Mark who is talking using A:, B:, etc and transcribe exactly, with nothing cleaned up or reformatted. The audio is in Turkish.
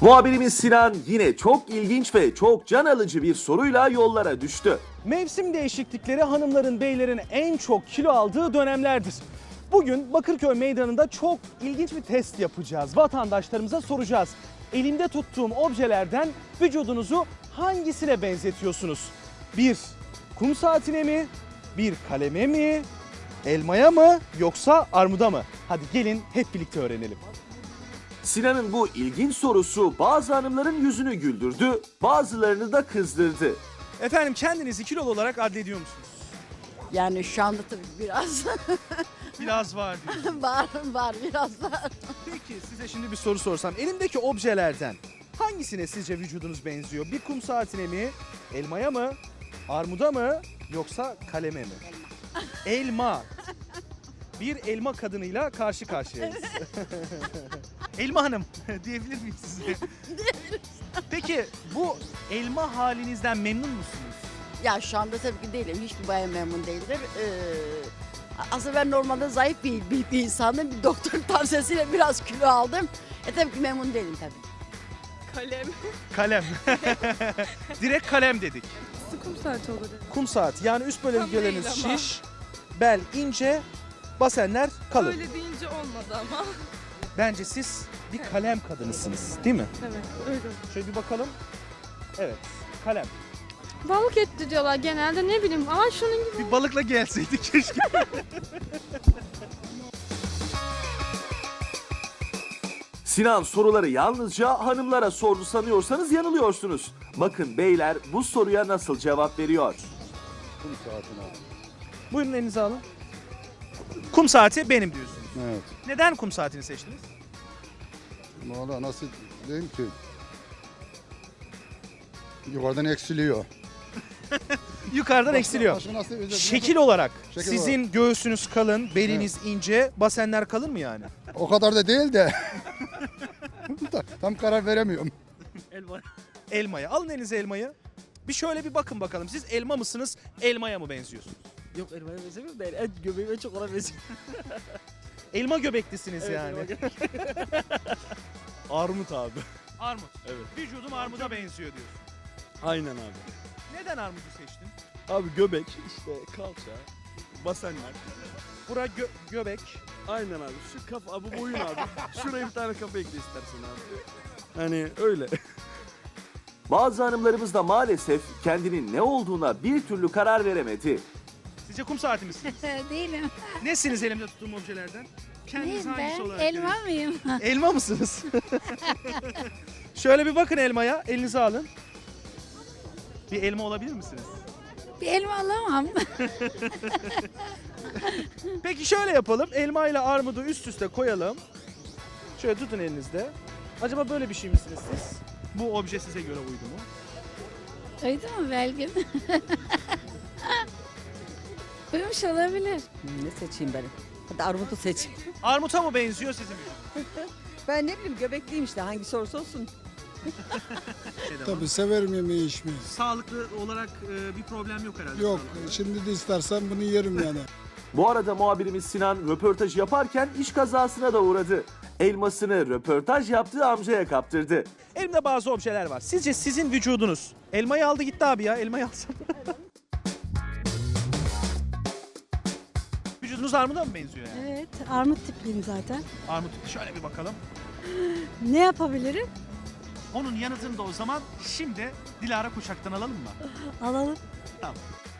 A: Muhabirimiz Sinan yine çok ilginç ve çok can alıcı bir soruyla yollara düştü.
B: Mevsim değişiklikleri hanımların, beylerin en çok kilo aldığı dönemlerdir. Bugün Bakırköy Meydanı'nda çok ilginç bir test yapacağız. Vatandaşlarımıza soracağız. Elimde tuttuğum objelerden vücudunuzu hangisine benzetiyorsunuz? Bir kum saatine mi? Bir kaleme mi? Elmaya mı? Yoksa armuda mı? Hadi gelin hep birlikte öğrenelim.
A: Sinan'ın bu ilginç sorusu bazı hanımların yüzünü güldürdü, bazılarını da kızdırdı.
B: Efendim kendinizi kilolu olarak addediyor musunuz?
C: Yani şu anda tabii biraz
B: Biraz var diyor.
C: var var biraz var.
B: Peki size şimdi bir soru sorsam. Elimdeki objelerden hangisine sizce vücudunuz benziyor? Bir kum saatine mi? Elmaya mı? Armuda mı? Yoksa kaleme mi? Elma. Bir elma kadınıyla karşı karşıyayız. Elma Hanım diyebilir miyim size? Peki bu elma halinizden memnun musunuz?
C: Ya şu anda tabii ki değilim. Hiçbir bayan memnun değildir. Ee, aslında ben normalde zayıf bir, bir, bir insandım. Bir doktor tavsiyesiyle biraz kilo aldım. E tabii ki memnun değilim tabii.
D: Kalem.
B: Kalem. Direkt kalem dedik.
D: Kum saati olur.
B: Kum saati yani üst bölgeleriniz
D: Tam değil ama.
B: şiş, bel ince, basenler kalın.
D: Öyle deyince olmadı ama.
B: Bence siz bir kalem kadınısınız değil mi?
D: Evet öyle.
B: Şöyle bir bakalım. Evet kalem.
D: Balık eti diyorlar genelde ne bileyim ama şunun gibi.
B: Bir balıkla gelseydik keşke.
A: Sinan soruları yalnızca hanımlara sordu sanıyorsanız yanılıyorsunuz. Bakın beyler bu soruya nasıl cevap veriyor.
E: Kum saatine abi.
B: Buyurun elinize alın. Kum saati benim diyorsunuz.
E: Evet.
B: Neden kum saatini seçtiniz?
E: Valla nasıl diyeyim ki? Yukarıdan eksiliyor.
B: Yukarıdan eksiliyor.
E: Başka nasıl özetlemek-
B: Şekil olarak
E: Şekil
B: sizin göğsünüz kalın, beliniz ince, basenler kalın mı yani?
E: O kadar da değil de. Tam karar veremiyorum.
B: Elma. Elmaya. Alın elinize elmayı. Bir şöyle bir bakın bakalım. Siz elma mısınız, elmaya mı benziyorsunuz?
C: Yok elmaya benzemiyorum da en göbeğime çok ona benziyor.
B: Elma göbeklisiniz
C: Evet,
B: yani.
C: elma
F: Armut abi.
B: Armut.
F: Evet.
B: Vücudum armuda benziyor diyorsun.
F: Aynen abi.
B: Neden armudu seçtin?
F: Abi göbek, işte kalça, basenler.
B: Bura gö- göbek.
F: Aynen abi. Şu kafa, abi boyun abi. Şuraya bir tane kafa ekle istersen abi. Hani öyle.
A: Bazı hanımlarımız da maalesef kendinin ne olduğuna bir türlü karar veremedi.
B: Sizce kum saati misiniz?
G: Değilim.
B: Nesiniz elimde tuttuğum objelerden? Kendiniz
G: Neyim
B: hangisi
G: ben?
B: olarak
G: Elma
B: görüyorsunuz?
G: mıyım?
B: Elma mısınız? Şöyle bir bakın elmaya. Elinize alın. Bir elma olabilir misiniz?
G: Bir elma alamam.
B: Peki şöyle yapalım. Elma ile armudu üst üste koyalım. Şöyle tutun elinizde. Acaba böyle bir şey misiniz siz? Bu obje size göre uydu mu?
G: Uydu mu belki? Uyumuş olabilir.
C: Ne seçeyim ben? Hadi armudu seç.
B: Armuta mı benziyor sizin?
C: Ben ne bileyim göbekliyim işte hangisi olursa olsun.
H: Tabii severim yemeği içmeyi.
B: Sağlıklı olarak bir problem yok herhalde.
H: Yok şimdi de istersen bunu yerim yani.
A: Bu arada muhabirimiz Sinan röportaj yaparken iş kazasına da uğradı. Elmasını röportaj yaptığı amcaya kaptırdı.
B: Elimde bazı objeler var. Sizce sizin vücudunuz elmayı aldı gitti abi ya. Elmayı alsam. Vücudunuz armuda mı benziyor yani?
G: Evet, armut tipliyim zaten.
B: Armut. Şöyle bir bakalım.
G: Ne yapabilirim?
B: Onun yanıtını da o zaman şimdi Dilara Kuşak'tan alalım mı?
G: Alalım.
B: Tamam.